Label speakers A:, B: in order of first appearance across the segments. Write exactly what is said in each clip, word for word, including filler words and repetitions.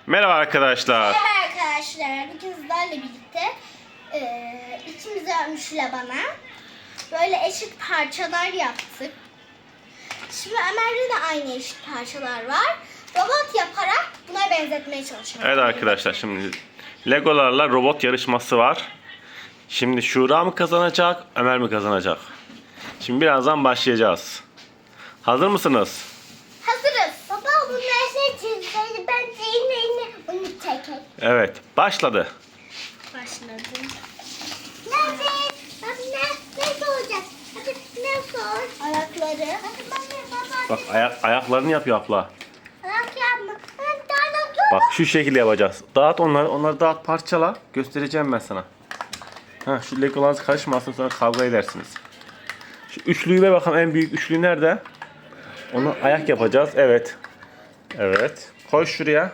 A: Merhaba arkadaşlar.
B: Merhaba arkadaşlar. Bugün sizlerle birlikte e, ikimiz Ömüş'le bana böyle eşit parçalar yaptık. Şimdi Ömer'de de aynı eşit parçalar var. Robot yaparak buna benzetmeye çalışıyoruz.
A: Evet arkadaşlar, şimdi Legolarla robot yarışması var. Şimdi Şura mı kazanacak, Ömer mi kazanacak? Şimdi birazdan başlayacağız. Hazır mısınız?
B: Hazırız. Baba bu nerede çizdi? Ben de yine yine bunu çekeyim.
A: Evet, başladı.
B: Başladım. Nerede? Bak ne? Nerede olacak? Hadi ne sor? Ayakları.
A: Bak ayak, ayaklarını yapıyor abla.
B: Ayak yapma. Ben daha da
A: Bak şu şekilde yapacağız. Dağıt onları, onları dağıt, parçala. Göstereceğim ben sana. Ha, şu Legolarınız karışmasın, sonra kavga edersiniz. Şu üçlüyü ver bakalım, en büyük üçlü nerede? Onu ayak yapacağız. Evet. Evet. Koy şuraya.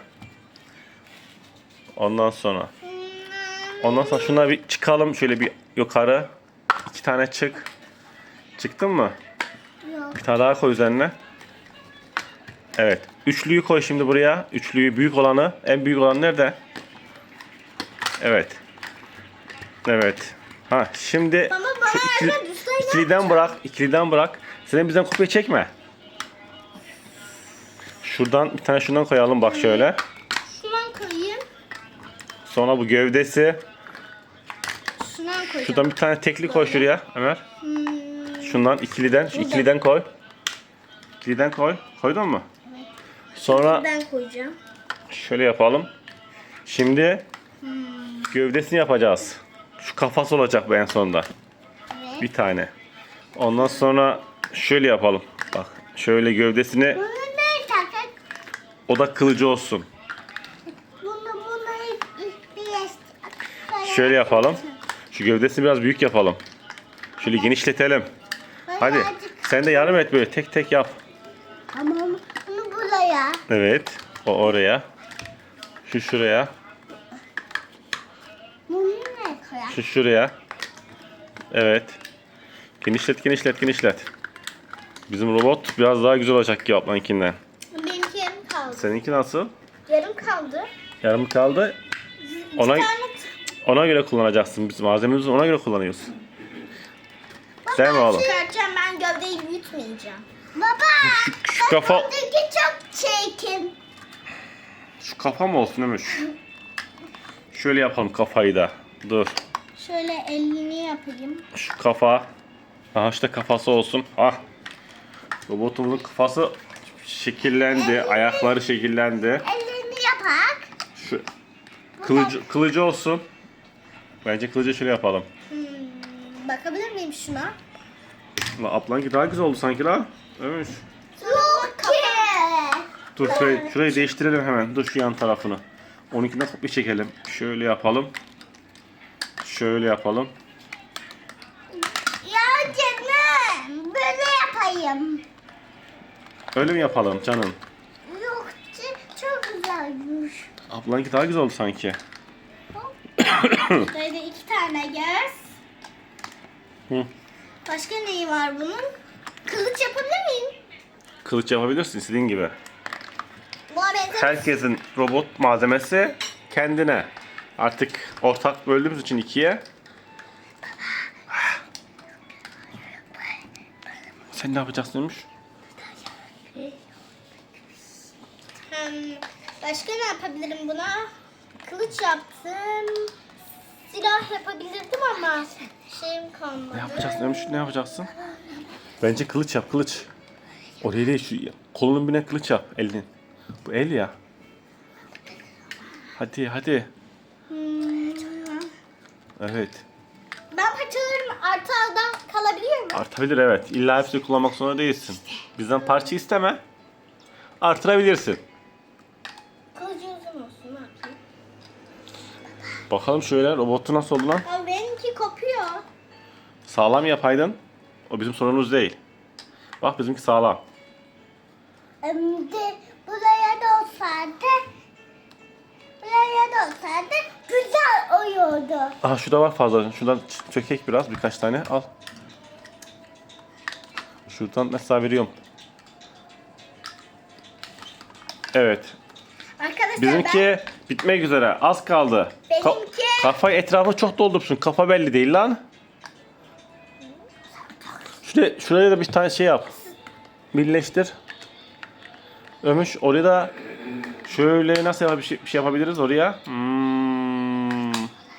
A: Ondan sonra. Ondan sonra şuna bir çıkalım şöyle bir yukarı. İki tane çık. Çıktın mı?
B: Yok.
A: Bir tane daha koy üzerine. Evet. Üçlüyü koy şimdi buraya. Üçlüyü, büyük olanı. En büyük olan nerede? Evet. Evet. Ha şimdi
B: Baba, bana
A: şu ikili,
B: nerede? Düzgün
A: ikiliden bırak. İkiliden bırak. Sen bizden kopya çekme. Şuradan bir tane şundan koyalım bak şöyle.
B: Şundan koyayım.
A: Sonra bu gövdesi.
B: Şundan koyacağım.
A: Şuradan bir tane tekli koy şuraya Ömer.
B: Hmm.
A: Şundan ikiliden, şu
B: Burada.
A: ikiliden koy. İkiliden koy. Koydun mu? Sonra
B: Ben koyacağım.
A: şöyle yapalım. Şimdi gövdesini yapacağız. Şu kafası olacak bu en sonunda.
B: Evet.
A: Bir tane. Ondan sonra şöyle yapalım. Bak şöyle gövdesini,
B: Bunu ne takak?
A: o da kılıcı olsun.
B: Bunu bunu ilk bir
A: Şöyle yapalım. Şu gövdesini biraz büyük yapalım. Şöyle genişletelim. Hadi sen de yardım et, böyle tek tek yap.
B: Ama bunu buraya.
A: Evet. O oraya. Şu şuraya.
B: Bunu ne koyar?
A: Şu şuraya. Evet. Genişlet, genişlet, genişlet. Bizim robot biraz daha güzel olacak ki ablankinden.
B: Benimki yarım kaldı.
A: Seninki nasıl?
B: Yarım kaldı.
A: Yarım kaldı. Ona
B: Bir tane
A: ona göre kullanacaksın. Biz malzememizi ona göre kullanıyoruz. Değil mi oğlum?
B: çıkartacağım, ben gövdeyi büyütmeyeceğim. Baba!
A: Şu, şu kafa,
B: çok çirkin.
A: şu kafa mı olsun Ömür? Şöyle yapalım kafayı da. Dur.
B: Şöyle elini yapayım.
A: Şu kafa. Aha işte kafası olsun. Ah. Robotumuzun kafası şekillendi. Ayakları şekillendi.
B: Elini yapak.
A: Şu kılıcı, kılıcı olsun. Bence kılıcı şöyle yapalım.
B: Hmm, bakabilir miyim şuna?
A: La ablanki daha güzel oldu sanki la. Ömür.
B: Çok iyi.
A: Dur şurayı, şurayı değiştirelim hemen. Dur şu yan tarafını. Onunkinden kopya çekelim. Şöyle yapalım. Şöyle yapalım.
B: Ya canım, böyle yapayım.
A: Öyle mi yapalım canım?
B: Yok, çok güzelmiş.
A: Ablanki daha güzel oldu sanki.
B: Böyle iki tane göz.
A: Hı.
B: Başka neyi var bunun? Kılıç yapabilir miyim?
A: Kılıç yapabilirsin istediğin gibi.
B: Buna benzer.
A: Herkesin robot malzemesi kendine. Artık ortak böldüğümüz için ikiye. Sen ne yapacaksınmış?
B: Hmm, başka ne yapabilirim buna? Kılıç yaptım. Silah yapabilirdim ama şeyim kalmadı.
A: Ne yapacaksın Ömür? Ne yapacaksın? Bence kılıç yap, kılıç. Oraya değil, şu kolunun birine kılıç yap elinin. Bu el ya. Hadi hadi.
B: Hmm,
A: Evet.
B: ben paçalarım artı aldan kalabiliyor mu?
A: Artabilir evet. İlla hepsini kullanmak zorunda değilsin. Bizden parça isteme. Artırabilirsin.
B: Kılıcı uzun olsun, ne yapayım?
A: Bakalım şöyle robotu nasıl oldu lan?
B: Ama benimki kopuyor.
A: Sağlam yapaydın. O bizim sorunumuz değil. Bak bizimki sağlam.
B: Hem de buraya da olsaydı, buraya da olsaydı güzel oluyordu.
A: Aha şu da var fazla. Şuradan ç- çökek biraz birkaç tane al. Şuradan mesela veriyorum. Evet.
B: Arkadaşlar
A: Bizimki bitmek üzere. Az kaldı. Ka-
B: Benimki-
A: kafayı etrafı çok doldursun. Kafa belli değil lan. Şuraya, şuraya da bir tane şey yap. Birleştir. Ömüş oraya da şöyle nasıl yap- bir şey, bir şey yapabiliriz oraya? Hmm.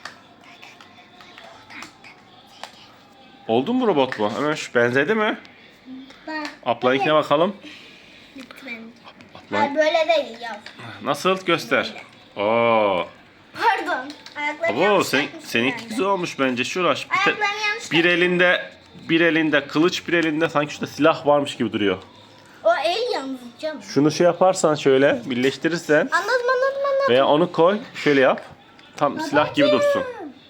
A: Oldu mu robot bu? Ömüş benzedi mi?
B: Ben-
A: Ablayınkine bakalım.
B: Bitti benimki.
A: Abla-
B: Hayır böyle değil ya.
A: Nasıl? Göster. Oo.
B: Pardon. Ayaklarım
A: Abo
B: yanlış
A: sen,
B: takmışım
A: seninki
B: ben de.
A: güzel olmuş bence. Şuraş. Bir, te-
B: Ayaklarım yanlış
A: bir elinde bir elinde kılıç, bir elinde sanki şurada silah varmış gibi duruyor.
B: O el yalnız canım.
A: Şunu şey yaparsan şöyle birleştirirsen
B: Anladım anladım anladım.
A: veya onu koy şöyle yap. Tam silah gibi dursun.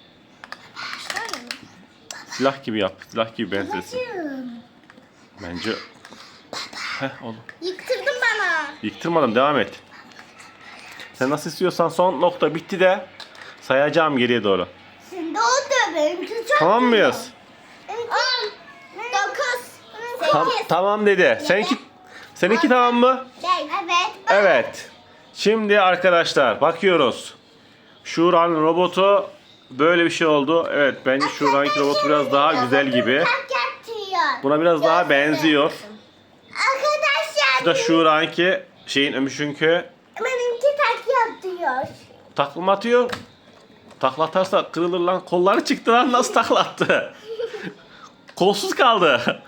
A: Silah gibi yap. Silah gibi benzesin. Bence. Heh oğlum.
B: Yıktırdın bana.
A: Yıktırmadım, devam et. Sen nasıl istiyorsan son nokta bitti de sayacağım geriye doğru.
B: Şimdi oldu benimki çok
A: Tamam mıyız?
B: On. Dokuz.
A: Tam,
B: Sekiz.
A: tamam dedi. Seninki seninki tamam mı?
B: Evet.
A: Evet. Şimdi arkadaşlar bakıyoruz. Şura'nın robotu böyle bir şey oldu. Evet bence Şura'nınki robotu biraz daha güzel gibi.
B: Tak yatıyor.
A: Buna biraz daha benziyor.
B: Arkadaşlar.
A: Bu da Şura'nınki şeyin Ömüş'ünkü
B: Benimki tak yatıyor.
A: takla mı atıyor? Takla atarsa kırılır lan. Kolları çıktı lan, nasıl takla attı? Kolsuz kaldı.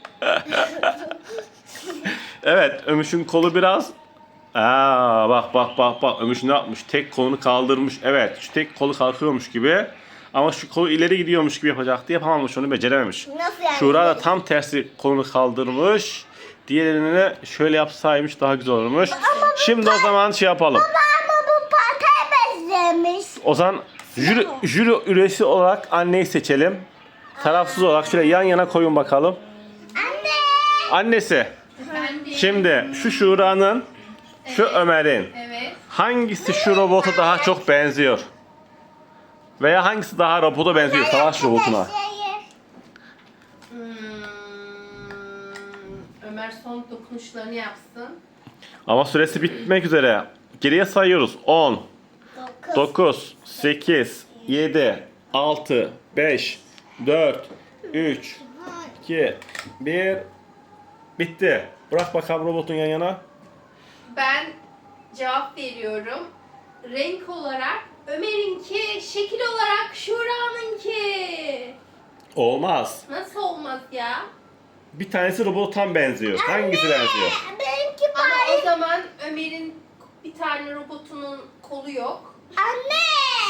A: Evet Ömüş'ün kolu biraz. Aa, bak bak bak bak Ömüş ne yapmış? Tek kolunu kaldırmış. Evet şu tek kolu kalkıyormuş gibi. Ama şu kolu ileri gidiyormuş gibi yapacaktı. Yapamamış, onu becerememiş.
B: Nasıl yani?
A: Şura da tam tersi kolunu kaldırmış. Diğerini şöyle yapsaymış daha güzel olurmuş. Şimdi o zaman şey yapalım.
B: Ama bu pataya benzemiş.
A: O zaman jüri, jüri üyesi olarak anneyi seçelim. Tarafsız olarak şöyle yan yana koyun bakalım.
B: Anne.
A: Annesi. Şimdi şu Şura'nın, şu Ömer'in.
C: Evet.
A: Hangisi şu robota daha çok benziyor? Veya hangisi daha robota benziyor? Savaş robotuna.
C: Hmm, Ömer son dokunuşlarını yapsın.
A: Ama süresi bitmek üzere. Geriye sayıyoruz. on,
B: Dokuz.
A: dokuz, sekiz, yedi, altı, beş, dört, üç, iki, bir. Bitti. Bırak bakalım robotun yan yana.
C: Ben cevap veriyorum. Renk olarak Ömer'inki, şekil olarak Şura'nınki.
A: Olmaz.
C: Nasıl olmaz ya?
A: Bir tanesi robota tam benziyor. Hangisi benziyor?
B: Benimki
C: Ama
B: bay.
C: o zaman Ömer'in bir tane robotunun kolu yok.
B: Anne.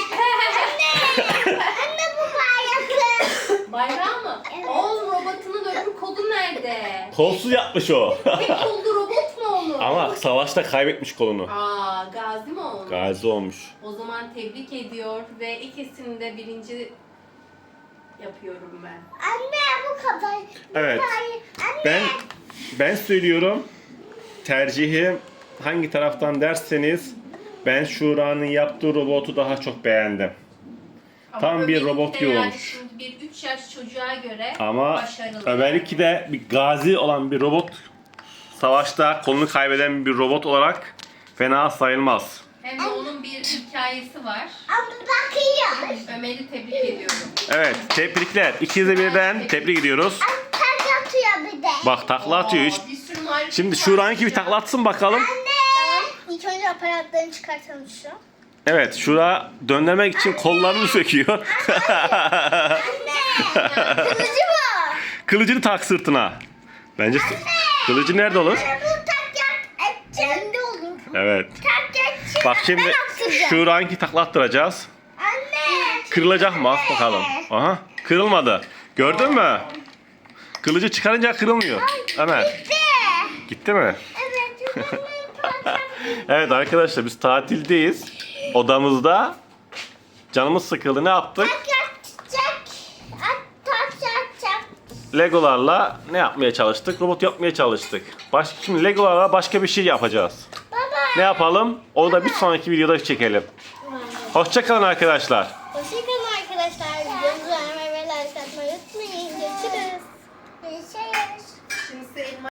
B: Anne. Anne bu bayraklı.
C: Bayrağı mı?
B: Evet.
C: Oğlum robotunun öbür kolu nerede?
A: Kolsuz yapmış o.
C: Tek kollu robot mu onu?
A: Ama savaşta kaybetmiş kolunu.
C: Aa, gazi mi olmuş?
A: Gazi olmuş.
C: O zaman tebrik ediyor ve ikisini de birinci yapıyorum ben.
B: Anne bu kadar.
A: Evet.
B: Anne.
A: Ben ben söylüyorum. Tercihim hangi taraftan derseniz ben Şura'nın yaptığı robotu daha çok beğendim.
C: Ama
A: Tam bir
C: Ömer'inki
A: robot
C: de
A: gibi
C: yani
A: olmuş.
C: Şimdi bir üç yaş çocuğa göre
A: Ama
C: başarılı.
A: Ömer'inki de bir gazi olan bir robot, savaşta kolunu kaybeden bir robot olarak fena sayılmaz.
C: Hem de onun bir hikayesi var.
B: Ama bakıyor.
C: Ömer'i tebrik ediyorum.
A: Evet, tebrikler. İkinize birden tebrik ediyoruz.
B: Tak yatıyor bir de.
A: Bak takla atıyor hiç.
C: Aa, bir sürü marifet
A: Şimdi
C: var
A: Şura'nınki bir
C: ya.
A: takla atsın bakalım.
B: Anne. İlk önce aparatlarını çıkartalım şu.
A: Evet, Şura döndürmek için kollarını söküyor.
B: Anne. Kılıcı bu.
A: Kılıcını tak sırtına. Bence kılıcı nerede olur?
B: Anne bu tak yat. Elinde olur.
A: Evet.
B: Tak yat.
A: Bak şimdi Şura'nınki takla attıracağız.
B: Anne.
A: Kırılacak mı? Bak bakalım. Aha, kırılmadı. Gördün mü? Kılıcı çıkarınca kırılmıyor. Ömer.
B: De.
A: Gitti mi?
B: Evet.
A: Evet arkadaşlar biz tatildeyiz. Odamızda. Canımız sıkıldı. Ne yaptık?
B: Tak yatacak. At tak yatacak.
A: Legolarla ne yapmaya çalıştık? Robot yapmaya çalıştık. Başka, şimdi Legolarla başka bir şey yapacağız.
B: Baba.
A: Ne yapalım? Onu da bir sonraki videoda çekelim. Hoşça kalın arkadaşlar.